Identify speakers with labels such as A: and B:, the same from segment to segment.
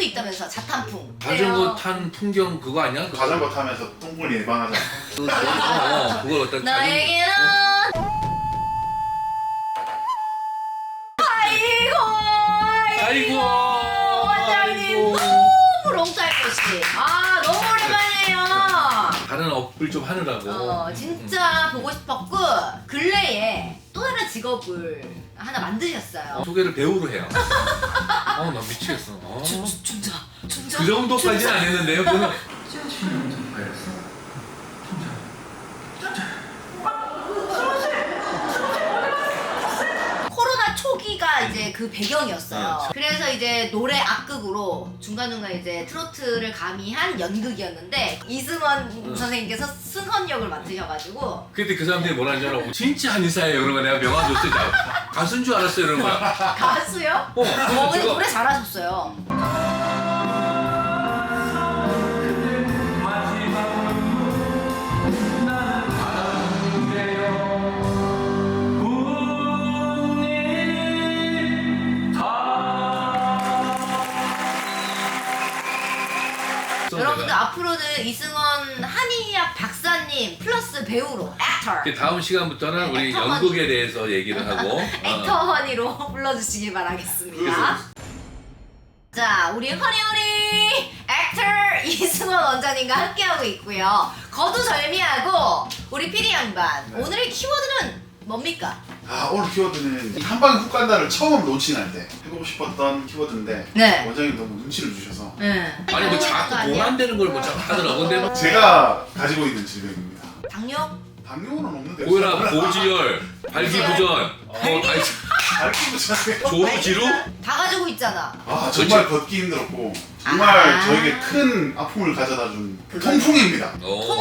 A: 있다면서 자탄풍.
B: 자전거 탄 풍경 그거 아니야?
C: 자전거 타면서 똥물 예방하자.
B: 그걸 어떤
A: 나에게는 아이고 원장님 너무 롱탈것이 너무 오랜만이에요.
B: 다른 업을 좀 하느라고.
A: 진짜 보고 싶었고 근래에 또 다른 직업을 하나 만드셨어요.
B: 소개를 배우로 해요. 나 미치겠어.
A: 춘자
B: 그 정도까지는 안 했는데요. 그거는
A: 코로나 초기가 이제 그 배경이었어요.
B: 네.
A: 그래서 이제 노래 악극으로 중간중간 이제 트로트를 가미한 연극이었는데 이승원 선생님께서 승헌 역을 맡으셔가지고
B: 그때 그 사람들이 뭐라는 줄 알아? 진짜 한의사예요. 그런 거 내가 명함 줬을 때 가수인 줄 알았어요. 이런 거야.
A: 가수요? 근데
B: 제가
A: 노래 잘하셨어요. 여러분들 앞으로는 이승원 한의학 박사님 플러스 배우로 액터
B: 다음 시간부터는 우리
A: 액터
B: 연극에 대해서 얘기를 하고
A: 액터 허니로 불러주시길 바라겠습니다. 자, 우리 허니허니 액터 이승원 원장님과 함께하고 있고요. 거두절미하고 우리 피디 양반 오늘의 키워드는 뭡니까?
C: 오늘 키워드는 한 방에 훅 간다를 처음 론칭할 때 해보고 싶었던 키워드인데
A: 네.
C: 원장님 너무 눈치를 주셔서
B: 아니 뭐 자꾸 돈 안 되는 걸 뭐 자꾸 하더라고. 근데 뭐
C: 제가 가지고 있는 질병입니다.
A: 당뇨?
C: 당뇨는 없는데
B: 고혈압, 고지혈, 발기부전,
C: 알기부전에
B: 조루지루?
A: 다 가지고 있잖아.
C: 정말 걷기 힘들었고 정말
A: 아.
C: 저에게 큰 아픔을 가져다준 통풍입니다.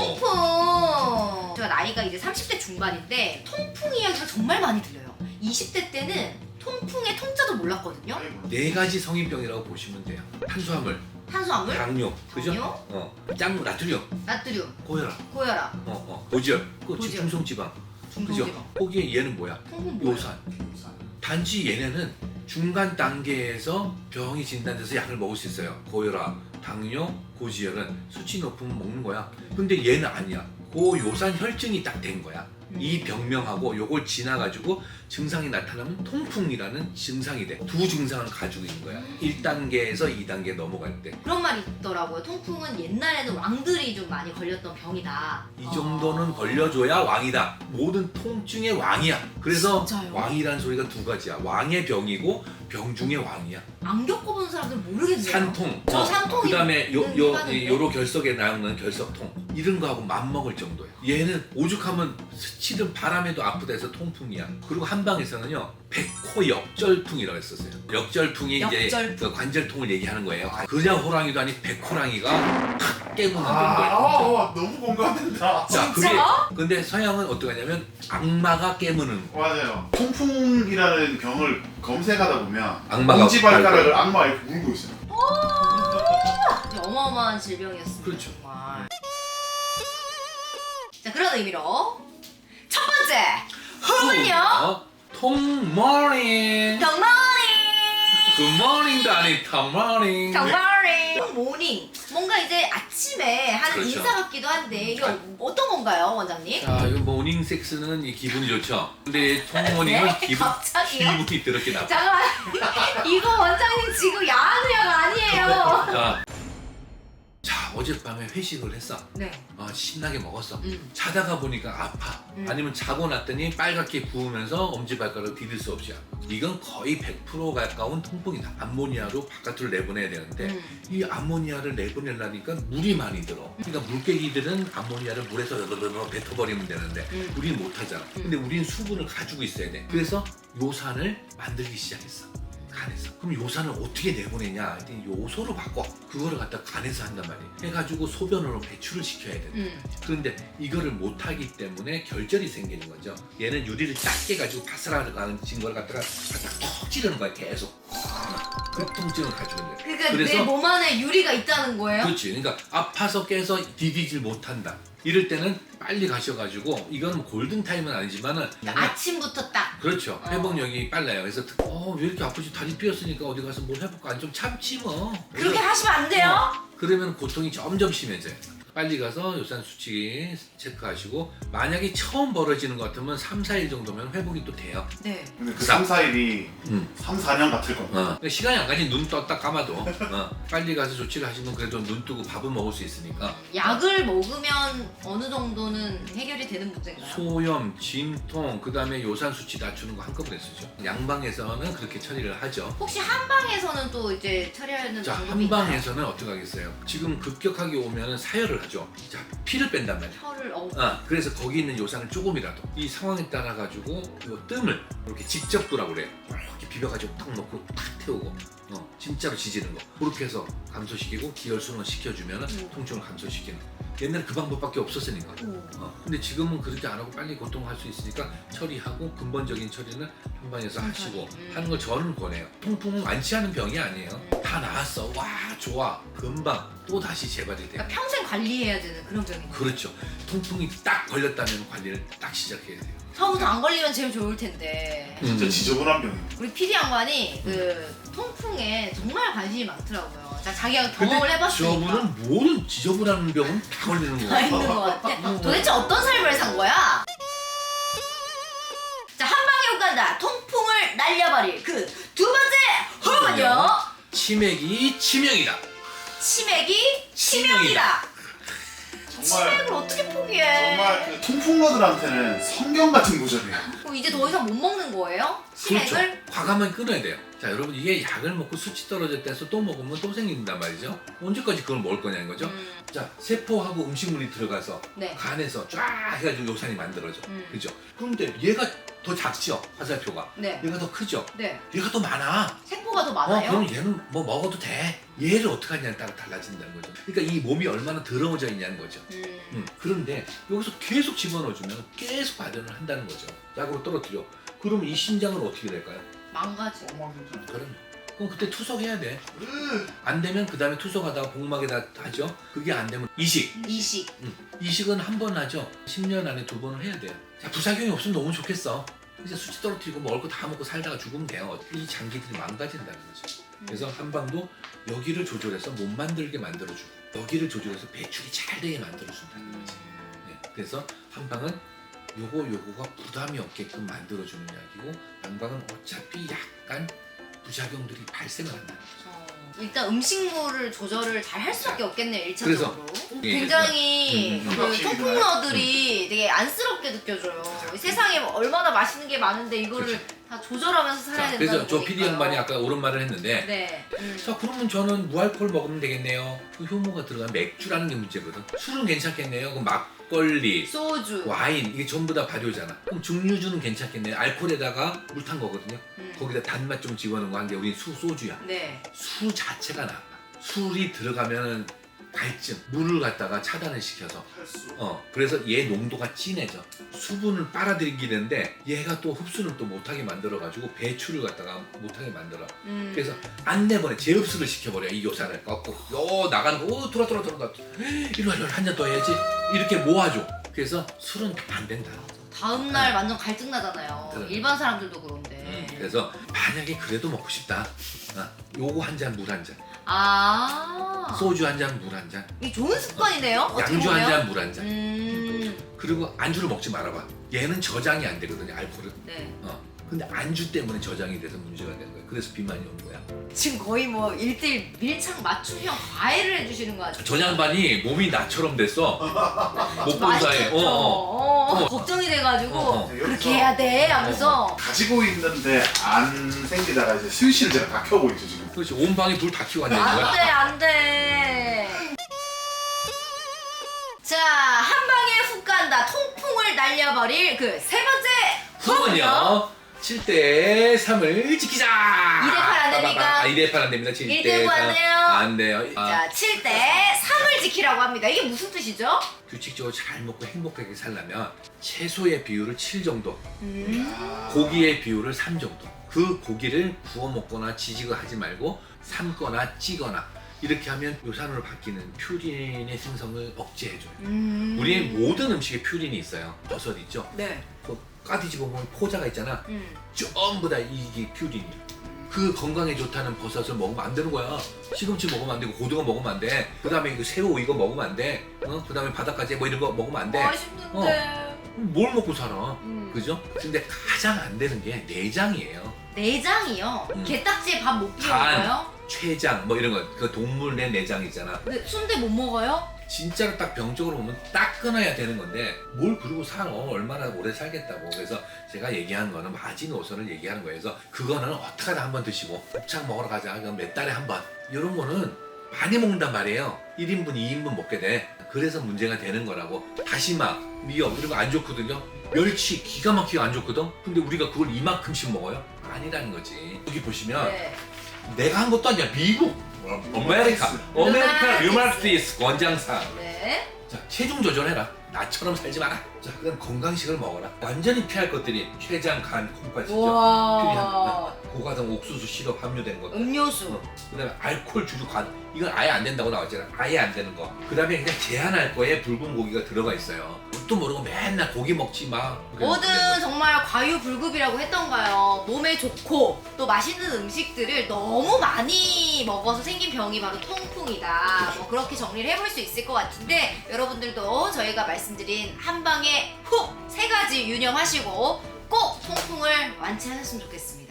A: 통풍. 제가 나이가 이제 30대 중반인데 통풍 이야기가 정말 많이 들려요. 20대 때는 통풍의 통자도 몰랐거든요.
B: 네 가지 성인병이라고 보시면 돼요. 탄수화물,
A: 탄수화물,
B: 당뇨, 그죠?
A: 당뇨?
B: 짱, 나트륨,
A: 나트륨,
B: 고혈압,
A: 고혈압,
B: 고지혈,
A: 고지혈.
B: 중성지방, 그죠?
A: 중성지방.
B: 거기에 얘는 뭐야?
A: 통풍 뭐야?
B: 요산. 단지 얘네는 중간 단계에서 병이 진단돼서 약을 먹을 수 있어요. 고혈압, 당뇨, 고지혈은 수치 높으면 먹는 거야. 근데 얘는 아니야. 고요산 혈증이 딱 된 거야. 이 병명하고 요걸 지나가지고 증상이 나타나면 통풍이라는 증상이 돼. 두 증상을 가지고 있는 거야. 1단계에서 2단계 넘어갈 때.
A: 그런 말이 있더라고요. 통풍은 옛날에는 왕들이 좀 많이 걸렸던 병이다.
B: 이 정도는 걸려줘야 왕이다. 모든 통증의 왕이야. 그래서
A: 진짜요?
B: 왕이라는 소리가 두 가지야. 왕의 병이고 병 중의 왕이야.
A: 안 겪어본 사람들은 모르겠네요.
B: 산통.
A: 저 산통이
B: 그다음에
A: 하는데.
B: 요로 결석에 나오는 결석통. 이런 거하고 맞먹을 정도야. 얘는 오죽하면 스치든 바람에도 아프다 해서 통풍이야. 그리고 한방에서는요. 백호역절풍이라고 했었어요. 역절풍이 이제
A: 역절풍.
B: 그 관절통을 얘기하는 거예요. 그냥 호랑이도 아닌 백호랑이가 탁 깨고 난 정도예요.
C: 너무 공감된다.
B: 자,
A: 진짜?
B: 근데 서양은 어떻게 하냐면 악마가 깨무는 거.
C: 맞아요. 통풍이라는 병을 검색하다 보면
B: 악마가
C: 엄지발가락을 악마가 이렇게 물고 있어요.
A: 어마어마한 질병이었습니다.
B: 그렇죠.
A: 정말. 자, 그런 의미로 첫 번째 후는요.
B: 통모닝.
A: 경모닝.
B: 굿모닝도 아닌 통모닝.
A: 경모닝. 모닝. 뭔가 이제 아침에 하는
B: 그렇죠.
A: 인사 같기도 한데 이게 어떤 건가요, 원장님?
B: 자, 이 모닝 섹스는 이 기분이 좋죠. 근데 통모닝은
A: 네? 갑자기요?
B: 기분이 더럽게 나빠.
A: 잠깐만. 이거 원장님 지금 야한 의학 아니에요.
B: 자, 어젯밤에 회식을 했어.
A: 네.
B: 신나게 먹었어. 자다가 보니까 아파. 아니면 자고 났더니 빨갛게 부으면서 엄지발가락을 디딜 수 없이 아파. 이건 거의 100% 가까운 통풍이다. 암모니아로 바깥으로 내보내야 되는데 이 암모니아를 내보내려니까 물이 많이 들어. 그러니까 물개기들은 암모니아를 물에서 뱉어버리면 되는데 우리는 못하잖아. 근데 우리는 수분을 가지고 있어야 돼. 그래서 요산을 만들기 시작했어. 간에서. 그럼 요산을 어떻게 내보내냐? 요소로 바꿔. 그거를 갖다 간에서 한단 말이에요. 해가지고 소변으로 배출을 시켜야 돼. 그런데 이거를 못하기 때문에 결절이 생기는 거죠. 얘는 유리를 작게 가지고 바스락하는 걸 갖다가 턱 찌르는 거야. 계속. 그 통증을 가지고 있는 거예요.
A: 그러니까 내 몸 안에 유리가 있다는 거예요?
B: 그렇지. 그러니까 아파서 깨서 디디질 못한다. 이럴 때는 빨리 가셔가지고 이건 골든 타임은 아니지만은
A: 그러니까 아침부터 딱.
B: 그렇죠. 회복력이 빨라요. 그래서 왜 이렇게 아프지? 다리 삐었으니까 어디 가서 뭘 해볼까? 아니 좀 참지 뭐.
A: 그렇게 하시면 안 돼요?
B: 그러면 고통이 점점 심해져요. 빨리 가서 요산 수치 체크하시고 만약에 처음 벌어지는 것 같으면 3, 4일 정도면 회복이 또 돼요.
A: 네.
C: 근데 그 3, 4일이 3, 4년 같을 겁니다.
B: 그러니까 시간이 안 가지. 눈 떴다 감아도 빨리 가서 조치를 하시면 그래도 눈 뜨고 밥은 먹을 수 있으니까.
A: 약을 먹으면 어느 정도는 해결이 되는 문제인가요?
B: 소염, 진통, 그 다음에 요산 수치 낮추는 거 한꺼번에 쓰죠. 양방에서는 그렇게 처리를 하죠.
A: 혹시 한방에서는 또 이제 처리하는
B: 자,
A: 방법이 있나요?
B: 한방에서는 어떻게 하겠어요? 지금 급격하게 오면은 사혈을 하죠. 자, 피를 뺀단 말이야.
A: 혀를
B: 그래서 거기 있는 요산을 조금이라도 이 상황에 따라 가지고 요 뜸을 이렇게 직접 두라고 그래요. 이렇게 비벼가지고 탁 넣고 탁 태우고 진짜로 지지는 거 그렇게 해서 감소시키고 기혈순환 시켜주면 통증을 감소시키는. 옛날에 그 방법밖에 없었으니까. 근데 지금은 그렇게 안 하고 빨리 고통할 수 있으니까 처리하고 근본적인 처리는 한방에서 하시고 하는 걸 저는 권해요. 통풍은 완치 않은 병이 아니에요. 다 나았어. 와 좋아. 금방 또 다시 재발이 돼요.
A: 그러니까 평생 관리해야 되는 그런 병이네요.
B: 그렇죠. 통풍이 딱 걸렸다면 관리를 딱 시작해야 돼요.
A: 처음부터 안 걸리면 제일 좋을 텐데.
C: 진짜 지저분한 병이에요.
A: 우리 PD 양반이 그 통풍에 정말 관심이 많더라고요. 자기가 경험을 해봤으니까.
B: 저분은 모든 지저분한 병은 다 걸리는
A: 다
B: 거야.
A: 있는 것 같아. 도대체 어떤 삶을 산 거야? 자, 한방에 훅 간다. 통풍을 날려버릴 그 두 번째 훅은요.
B: 치맥이 치명이다.
A: 치맥이 치명이다. 치맥을 어떻게 포기해?
C: 정말 그 통풍러들한테는 성경 같은 구절이에요.
A: 그럼 이제 더 이상 못 먹는 거예요? 치맥을?
B: 그렇죠. 과감하게 끊어야 돼요. 자 여러분 이게 약을 먹고 수치 떨어졌다 해서 또 먹으면 또 생긴단 말이죠. 언제까지 그걸 먹을 거냐는 거죠. 자 세포하고 음식물이 들어가서
A: 네.
B: 간에서 쫙 해가지고 요산이 만들어져.
A: 음.
B: 그죠? 그런데 얘가 더 작죠. 화살표가.
A: 네.
B: 얘가 더 크죠.
A: 네.
B: 얘가 더 많아.
A: 세포가 더 많아요?
B: 그럼 얘는 뭐 먹어도 돼. 얘를 어떻게 하냐에 따라 달라진다는 거죠. 그러니까 이 몸이 얼마나 더러워져 있냐는 거죠. 그런데 여기서 계속 집어넣어주면 계속 발현을 한다는 거죠. 약으로 떨어뜨려. 그럼 이 신장은 어떻게 될까요?
A: 망가지고.
B: 그럼요. 그럼 그때 투석해야 돼. 안 되면 그 다음에 투석하다가 복막에다 하죠. 그게 안 되면 이식.
A: 이식.
B: 이식은 한 번 하죠. 10년 안에 2번을 해야 돼요. 자, 부작용이 없으면 너무 좋겠어. 이제 수치 떨어뜨리고 먹을 거 다 먹고 살다가 죽으면 돼요. 이 장기들이 망가진다는 거죠. 그래서 한방도 여기를 조절해서 못 만들게 만들어주고 여기를 배출이 잘 되게 만들어준다는 거지. 네, 그래서 한방은 요거가 부담이 없게끔 만들어주는 약이고 양방은 어차피 약간 부작용들이 발생을 한다는 거죠.
A: 일단 음식물을 조절을 잘 할 수밖에 없겠네요. 1차적으로.
B: 그래서, 예,
A: 굉장히 그
C: 확실히
A: 통풍러들이 되게 안쓰럽게 느껴져요. 이 세상에 얼마나 맛있는 게 많은데 이거를
B: 그렇죠.
A: 다 조절하면서 살아야
B: 자,
A: 된다는
B: 그래서 저
A: 거니까요.
B: PD 양반이 아까 옳은 말을 했는데
A: 네.
B: 자 그러면 저는 무알콜 먹으면 되겠네요. 그 효모가 들어간 맥주라는 게 문제거든. 술은 괜찮겠네요. 그럼 막걸리,
A: 소주.
B: 와인 이게 전부 다 발효잖아. 그럼 증류주는 괜찮겠네요. 알코올에다가 물 탄 거거든요. 거기다 단맛 좀 집어넣은 거 한 게 우리 소주야.
A: 네.
B: 술 자체가 나빠. 술이 들어가면 갈증, 물을 갖다가 차단을 시켜서 그래서 얘 농도가 진해져. 수분을 빨아들이기는데 얘가 또 흡수를 또 못하게 만들어가지고 배출을 갖다가 못하게 만들어. 그래서 안 내보내 재흡수를 시켜버려. 이 요산을 꺾고 나가는 거 돌아 이리 와 한 잔 더 해야지 이렇게 모아줘. 그래서 술은 안 된다.
A: 다음날 완전 갈증 나잖아요.
B: 그래.
A: 일반 사람들도 그런데.
B: 그래서 만약에 그래도 먹고 싶다. 요거 한 잔 물 한 잔. 소주 한 잔 물 한 잔.
A: 이게 좋은 습관이네요. 어떻게
B: 양주
A: 보면.
B: 한 잔 물 한 잔. 그리고 안주를 먹지 말아봐. 얘는 저장이 안 되거든요, 알코올은.
A: 네.
B: 근데 안주 때문에 저장이 돼서 문제가 되는 거야. 그래서 비만이 오는 거야.
A: 지금 거의 뭐 1대1 밀착 맞춤형 과외를 해주시는 거 같아요.
B: 저 양반이 몸이 나처럼 됐어. 못 본 사이에.
A: 걱정이 돼가지고 그렇게
C: 여기서
A: 해야 돼 하면서
C: 가지고 있는데 안 생기다가 이제 스위치를 제가 다 켜고 있죠 지금.
B: 그렇지. 온 방에 불 다 켜고 앉아 있는 거야.
A: 안돼. 자, 한 방에 훅 간다. 통풍을 날려버릴 그 세 번째
B: 후은요. 7대 3을 지키자.
A: 2대 8 안 됩니까?
B: 2대 8 안 됩니다. 7대
A: 1대 9 안 돼요?
B: 안 돼요.
A: 자, 7대 3을 지키라고 합니다. 이게 무슨 뜻이죠?
B: 규칙적으로 잘 먹고 행복하게 살려면 채소의 비율을 7 정도,
A: 음.
B: 고기의 비율을 3 정도. 그 고기를 구워 먹거나 지직을 하지 말고 삶거나 찌거나 이렇게 하면 요산으로 바뀌는 퓨린의 생성을 억제해줘요. 우리의 모든 음식에 퓨린이 있어요. 버섯 있죠?
A: 네.
B: 그 까디지 보면 포자가 있잖아. 전부 다 이게 퓨린이야. 그 건강에 좋다는 버섯을 먹으면 안 되는 거야. 시금치 먹으면 안 되고 고등어 먹으면 안 돼. 그 다음에 그 새우 이거 먹으면 안 돼. 그 다음에 바닷가재 뭐 이런 거 먹으면 안 돼.
A: 맛있는데.
B: 뭘 먹고 살아? 그죠? 근데 가장 안 되는 게 내장이에요.
A: 내장이요? 게딱지에 밥 못 비워 먹어요?
B: 췌장 뭐 이런 거. 그 동물 내 내장 있잖아.
A: 근데 순대 못 먹어요?
B: 진짜로 딱 병적으로 보면 딱 끊어야 되는 건데 뭘 그러고 살아. 얼마나 오래 살겠다고. 그래서 제가 얘기하는 거는 마지노선을 얘기하는 거예요. 그래서 그거는 어떻게 하다 한 번 드시고 곱창 먹으러 가자. 그럼 몇 달에 한 번. 이런 거는 많이 먹는단 말이에요. 1인분, 2인분 먹게 돼. 그래서 문제가 되는 거라고. 다시마, 미역 이런 거 안 좋거든요. 멸치 기가 막히게 안 좋거든. 근데 우리가 그걸 이만큼씩 먹어요? 아니라는 거지. 여기 보시면
A: 네.
B: 내가 한 것도 아니야. 미국 아메리카 류마티스 권장상.
A: 네.
B: 자, 체중 조절해라. 나처럼 살지 마라. 자, 그다음 건강식을 먹어라. 완전히 피할 것들이 췌장, 간, 콩팥이죠.
A: 우와.
B: 고가당 옥수수 시럽 함유된 것.
A: 음료수.
B: 그다음에 알코올 주류 관. 이건 아예 안 된다고 나왔잖아. 아예 안 되는 거. 그다음에 그냥 제한할 거에 붉은 고기가 들어가 있어요. 또 모르고 맨날 고기 먹지 마.
A: 뭐든 정말 과유불급이라고 했던가요. 몸에 좋고 또 맛있는 음식들을 너무 많이 먹어서 생긴 병이 바로 통풍이다. 뭐 그렇게 정리를 해볼 수 있을 것 같은데 여러분들도 저희가 말씀드린 한방에 훅 3가지 유념하시고 꼭 통풍을 완치하셨으면 좋겠습니다.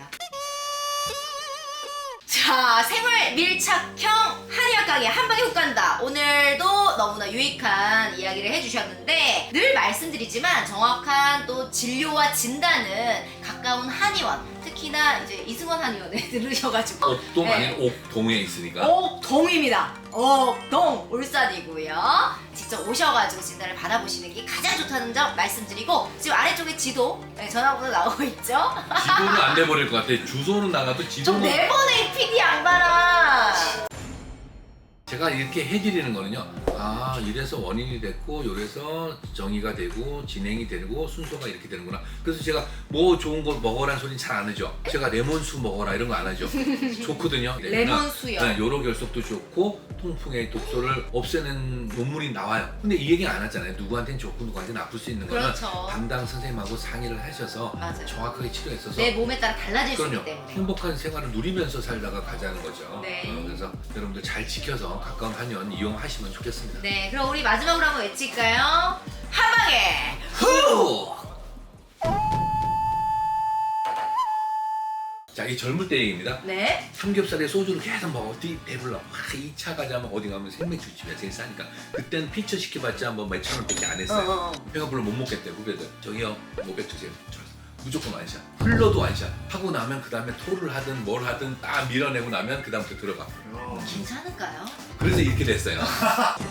A: 자, 생활 밀착형 한의학 강의 한방에 훅 간다. 오늘도 너무나 유익한 이야기를 해주셨는데 늘 말씀드리지만 정확한 또 진료와 진단은 가까운 한의원, 특히나 이제 이승원 한의원에 들으셔가지고
B: 옥동
A: 네.
B: 아닌 옥동에 있으니까.
A: 옥동입니다. 옥동 울산이고요. 직접 오셔가지고 진단을 받아보시는 게 가장 좋다는 점 말씀드리고 지금 아래쪽에 지도 전화번호 나오고 있죠?
B: 지도는 안 돼버릴 것 같아. 주소는 나가도
A: 좀
B: 지도는.
A: 내보내 PD 양반아.
B: 제가 이렇게 해드리는 거는요. 아, 이래서 원인이 됐고, 이래서 정의가 되고, 진행이 되고, 순서가 이렇게 되는구나. 그래서 제가 뭐 좋은 거 먹어라는 소리는 잘 안 하죠. 제가 레몬수 먹어라 이런 거 안 하죠. 좋거든요.
A: 레몬수요.
B: 네, 요로 결석도 좋고, 통풍의 독소를 없애는 논문이 나와요. 근데 이 얘기 안 하잖아요. 누구한테는 좋고, 누구한테는 나쁠 수 있는 거는
A: 그렇죠.
B: 담당 선생님하고 상의를 하셔서
A: 맞아요.
B: 정확하게 치료했어서.
A: 내 몸에 따라 달라질 수 있기
B: 그럼요.
A: 때문에.
B: 행복한 생활을 누리면서 살다가 가자는 거죠.
A: 네.
B: 그래서 여러분들 잘 지켜서 가까운 한의원 이용하시면 좋겠습니다.
A: 네, 그럼 우리 마지막으로 한번 외칠까요? 한방에
B: 후! 자, 이 젊을 때 얘기입니다.
A: 네.
B: 삼겹살에 소주를 계속 먹어. 배불러. 2차 가자면 어디 가면 생맥주집이야. 제일 싸니까. 그때는 피처 시켜봤자 뭐 몇천 원밖에 안 했어요. 배가 불러 못 먹겠대, 후배들. 저기요, 뭐 뱉으세요. 무조건 완샷. 흘러도 완샷. 하고 나면 그 다음에 토를 하든 뭘 하든 딱 밀어내고 나면 그 다음부터 들어가.
A: 괜찮을까요?
B: 그래서 이렇게 됐어요.